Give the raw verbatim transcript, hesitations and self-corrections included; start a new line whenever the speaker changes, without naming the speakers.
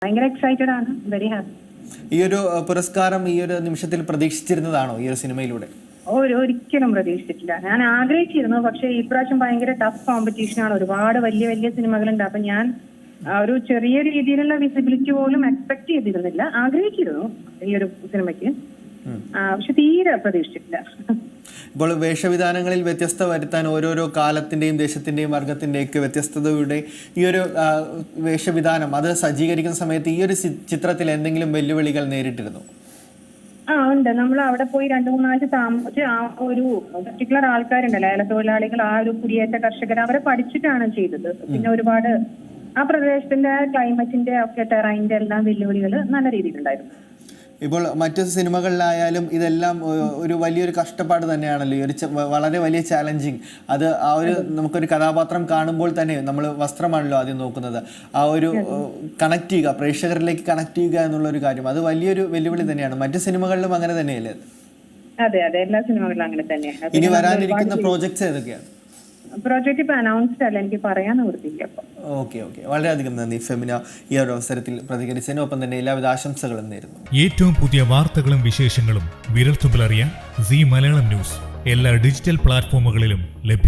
ഭയങ്കര എക്സൈറ്റഡ് ആണ്, very happy.
ഈ ഒരു പുരസ്കാരം ഈ ഒരു നിമിഷത്തിൽ പ്രതീക്ഷിച്ചിരുന്നതാണോ ഈ ഒരു സിനിമയിലൂടെ?
ഒരു ഒരിക്കലും പ്രതീക്ഷിച്ചിട്ടില്ല. ഞാൻ ആഗ്രഹിച്ചിരുന്നു, പക്ഷെ ഇപ്രാവശ്യം ഭയങ്കര ടഫ് കോമ്പറ്റീഷനാണ്. ഒരുപാട് വലിയ വലിയ സിനിമകളുണ്ട്. അപ്പൊ ഞാൻ ഒരു ചെറിയ രീതിയിലുള്ള വിസിബിലിറ്റി പോലും എക്സ്പെക്ട് ചെയ്തിരുന്നില്ല. ആഗ്രഹിച്ചിരുന്നു ഈ ഒരു സിനിമയ്ക്ക്, പക്ഷെ തീരെ പ്രതീക്ഷിച്ചിട്ടില്ല.
ഇപ്പോൾ വേഷവിധാനങ്ങളിൽ വ്യത്യസ്ത വരുത്താൻ ഓരോരോ കാലത്തിന്റെയും ദേശത്തിന്റെയും വർഗത്തിന്റെയും ഒക്കെ വ്യത്യസ്തതയുടെ ഈ ഒരു വേഷവിധാനം അത് സജ്ജീകരിക്കുന്ന സമയത്ത് ഈ ഒരു ചിത്രത്തിൽ എന്തെങ്കിലും വെല്ലുവിളികൾ നേരിട്ടിരുന്നു?
ആ ഉണ്ട്. നമ്മൾ അവിടെ പോയി രണ്ടു മൂന്നാഴ്ച താമസിച്ച് ആ ഒരു പർട്ടിക്കുലർ ആൾക്കാരുണ്ടല്ലോ, ഏല തൊഴിലാളികൾ, ആ ഒരു കുടിയേറ്റ കർഷകർ, അവരെ പഠിച്ചിട്ടാണ് ചെയ്തത്. പിന്നെ ഒരുപാട് ആ പ്രദേശത്തിന്റെ ക്ലൈമറ്റിന്റെ ഒക്കെ ടെറൈന്റെ എല്ലാം വെല്ലുവിളികൾ നല്ല രീതിയിലുണ്ടായിരുന്നു.
ഇപ്പോൾ മറ്റു സിനിമകളിലായാലും ഇതെല്ലാം ഒരു വലിയൊരു കഷ്ടപ്പാട് തന്നെയാണല്ലോ, ഈ ഒരു വളരെ വലിയ ചാലഞ്ചിങ്. അത് ആ ഒരു നമുക്കൊരു കഥാപാത്രം കാണുമ്പോൾ തന്നെ നമ്മൾ വസ്ത്രമാണല്ലോ ആദ്യം നോക്കുന്നത്, ആ ഒരു കണക്ട് ചെയ്യുക, പ്രേക്ഷകരിലേക്ക് കണക്ട് ചെയ്യുക എന്നുള്ള ഒരു കാര്യം, അത് വലിയൊരു വെല്ലുവിളി തന്നെയാണ്. മറ്റു സിനിമകളിലും അങ്ങനെ തന്നെയല്ലേ?
അതെ അതെ, എല്ലാ സിനിമകളിലും അങ്ങനെ തന്നെയാണ്.
ഇനി വരാനിരിക്കുന്ന പ്രോജക്ട്സ് ഏതൊക്കെയാണ്?
പ്രോജക്റ്റ് ഇപ്പൊ അനൗൺസ്ഡ് അല്ല, എനിക്ക് പറയാൻ നിവൃത്തിയില്ല.
ഓക്കെ ഓക്കെ വളരെയധികം നന്ദി ഫെമിന ഈ ഒരു അവസരത്തിൽ പ്രതികരിച്ചതിന്. ഒപ്പം തന്നെ എല്ലാവിധ ആശംസകളും നേരുന്നു.
ഏറ്റവും പുതിയ വാർത്തകളും വിശേഷങ്ങളും വിരൽത്തുമ്പിലറിയാൻ സീ മലയാളം ന്യൂസ് എല്ലാ ഡിജിറ്റൽ പ്ലാറ്റ്ഫോമുകളിലും ലഭ്യം.